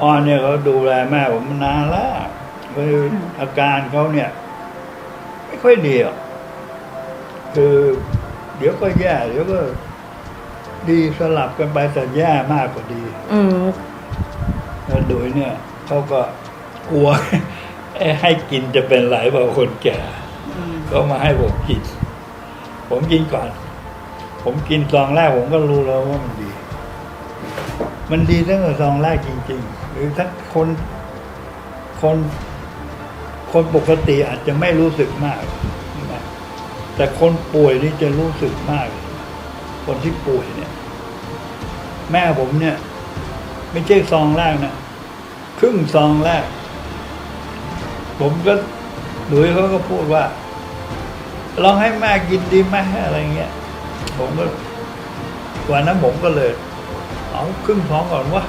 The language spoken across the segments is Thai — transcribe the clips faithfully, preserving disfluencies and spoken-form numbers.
ออนเนี่ยเขาดูแลแม่ผมมานานแล้วคืออาการเขาเนี่ย ไม่ค่อยดีหรอกคือเดี๋ยวก็แย่เดี๋ยวก็ดีสลับกันไปแต่แย่มากกว่าดีอืมแล้วโดยเนี่ยเขาก็กลัว ให้กินจะเป็นไรเปล่าคนแก่ก็มาให้ผมกิน ผมกินก่อน ผมกินซองแรกผมก็รู้แล้วว่ามันดี มันดีตั้งแต่ซองแรกจริงๆหรือถ้าคนคนคนปกติอาจจะไม่รู้สึกมากนะแต่คนป่วยนี่จะรู้สึกมาก คนที่ป่วยเนี่ย แม่ผมเนี่ย ไม่ใช่ซองแรกนะครึ่งซองแรก ผมก็หลุยเขาก็พูดว่าลองให้แม่กินดีไหมอะไรเงี้ยผมก็วันนั้นผมก็เลยเอาครึ่งซองก่อนวะ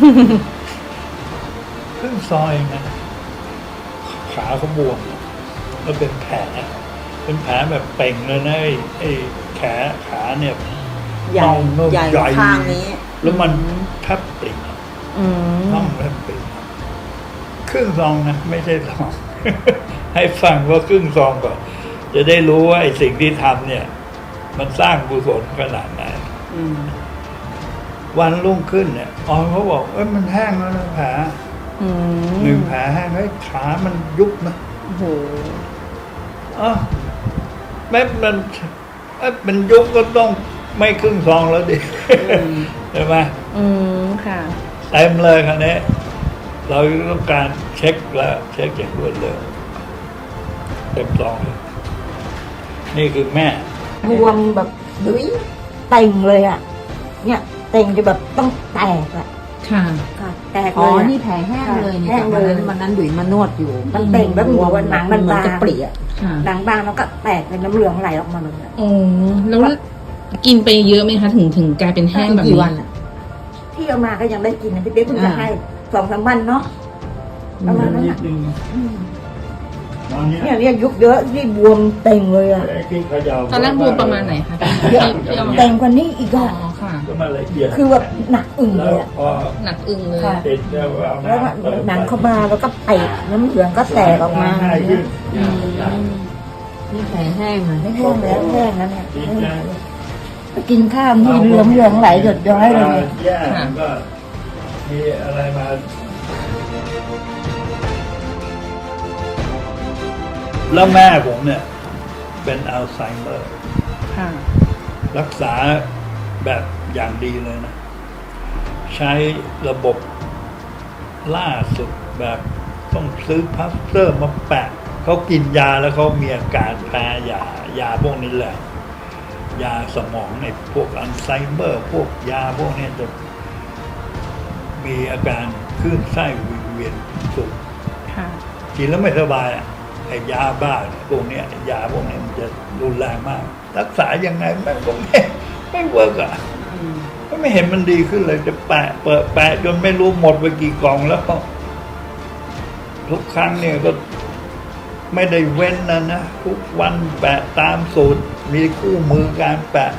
ครึ่งซองเองนะขาเขาบวมแล้วเป็นแผลเป็นแผลแบบเป่งเลยนะไอ้ไอ้แขนขาเนี่ยใหญ่น่องใหญ่ใหญ่ข้างนี้แล้วมันแทบปริกอืมน่องแทบปริกครึ่งซองนะไม่ใช่ซอง ให้ฟังว่าครึ่งซองก่อนจะได้รู้ว่าไอ้สิ่งที่ทำเนี่ย มันสร้างกุศลขนาดไหนอืมวันรุ่งขึ้นเนี่ยอ๋อเขาบอกเอ้ยมันแห้งแล้วนะแผลอืมหนึ่งแผลแห้งเฮ้ยขามันยุบนะโอ้โหอ๋อแม้มันเอ้ยมันยุบก็ต้องไม่ครึ่งซองแล้วดิ ใช่ไหมอืมค่ะเต็มเลยคราวนี้เราต้องการเช็คแล้วเช็คอย่างรวดเร็วเต็มซองเลยนี่คือแม่บวมแบบดุยเต่งเลยอ่ะ เนี่ยเต่งจะแบบต้องแตกอ่ะค่ะค่ะแตกอ๋เลอยอะนี่แผลแห้งเลยนี่แห้งจากเลวันยนั้นวันนั้นดุยมานวดอยู่มันเต่งแบบเหมือนว่าหนังมันเหมือนบางจะเปรี้ยค่ะหนังบางแล้วก็แตกเป็นน้ำเหลืองไหลออกมาเลยอะโอ้แล้วกินไปเยอะไหมคะถึงถึงกลายเป็นแห้งแบบกี่นี้วันอ่ะที่เอามาก็ยังได้กินนะพี่เป๊กเพิ่งจะอ่าให้สองสามวันเนาะประมาณนั้นนิอ่ะดนึงอืมตอนนี้เนี่ยเนี่ยยุบเยอะที่บวมเต่งเลยอ่ะไอ้ที่เขย่าตอนแรกบวมประมาณไหนคะที่ที่เอามาเต่งกว่านี้อีกอ๋ออ่ะค่ะก็มาละเอียดคือแบบหนักอึ่งแล้เลวยอ่ะพอหนักอึ้งเลยค่ะติดแล้วเอาแล้วก็น้ำเติมหนังเข้ามาแล้วก็เตะน้ำเหลืองก็แตกออกมาง่ายขึ้นอืมนี่แผลแห้งเลยไม่แห้งแล้วแห้งแล้วเนี่ยดีใจกินข้าวมีเหลืองเหลืองไหลหยดย้อยเลยแย่มันก็มีอะไรมาแล้วแม่ผมเนี่ย เป็นอัลไซเมอร์ค่ะรักษาแบบอย่างดีเลยนะ ใช้ระบบล่าสุดแบบต้องซื้อพลาสเตอร์มาแปะเขากินยาแล้วเขามีอาการแพ้ยายาพวกนี้แหละ ยาสมองในพวกอัลไซเมอร์ พวกยาพวกนี้จะมีอาการคลื่นไส้วิงเวียนสูงค่ะกินแล้วไม่สบายอ่ะไอ้ยาบ้าพวกเนี้ยยาพวกนี้มันจะรุนแรงมาก รักษายังไงแม่งก็ไม่ไม่เวิร์กอ่ะก็ไม่เห็นมันดีขึ้นเลยจะแปะเปิดแปะจนไม่รู้หมดไปกี่กล่องแล้วก็ทุกครั้งเนี่ยก็ไม่ได้เว้นนะนะทุกวันแปะตามสูตรมีคู่มือการแปะ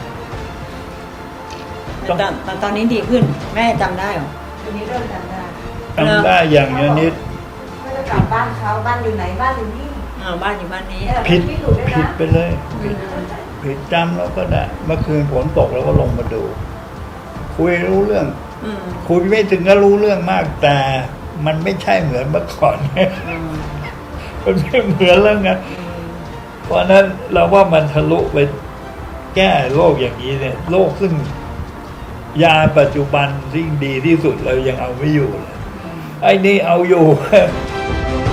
ตอนตอนตอนนี้ดีขึ้น แม่จำได้เหรอทีนี้เริ่มจำได้ทำได้อย่างเนี้ยนิดก็จะกลับบ้านเขาบ้านอยู่ไหนบ้านอยู่นี่อ่าบ้านอยู่บ้านนี้ผิดที่อยู่ด้วยผิดนะไปเลยผิดผิดจำแล้วก็ได้เมื่อคืนฝนตกแล้วก็ลงมาดู คุยรู้เรื่องอืมคุยไม่ถึงก็รู้เรื่องมาก แต่มันไม่ใช่เหมือนเมื่อก่อนอืมมันไม่เหมือนแล้วไงเพราะฉะนั้นเราว่ามันทะลุไปแก้โรคอย่างนี้เนี่ยโรคซึ่งยาปัจจุบันที่ดีที่สุดเรายังเอาไม่อยู่เลยไอ้นี่เอาอยู่